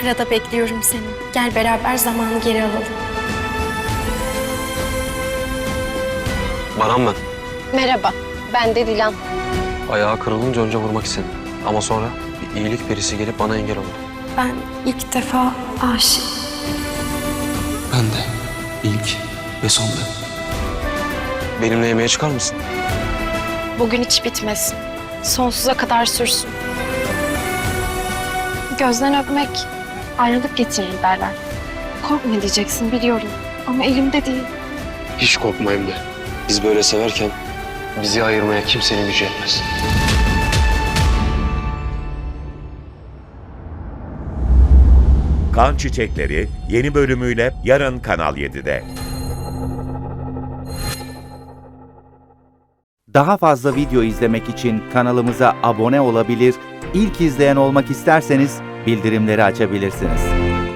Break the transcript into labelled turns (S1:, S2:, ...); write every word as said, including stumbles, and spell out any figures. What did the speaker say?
S1: Ankara'da bekliyorum seni. Gel beraber zamanı geri alalım.
S2: Baran ben.
S3: Merhaba, ben de Dilan.
S2: Ayağı kırılınca önce vurmak istedim. Ama sonra bir iyilik perisi gelip bana engel oldu.
S1: Ben ilk defa aşık.
S4: Ben de ilk ve son ben.
S2: Benimle yemeğe çıkar mısın?
S1: Bugün hiç bitmesin. Sonsuza kadar sürsün. Gözden öpmek ayrılık getirir derler. Korkma diyeceksin biliyorum. Ama elimde değil.
S2: Hiç korkmayayım de. Biz böyle severken bizi ayırmaya kimsenin gücü yetmez.
S5: Kan Çiçekleri yeni bölümüyle yarın Kanal yedide.
S6: Daha fazla video izlemek için kanalımıza abone olabilir, ilk izleyen olmak isterseniz bildirimleri açabilirsiniz.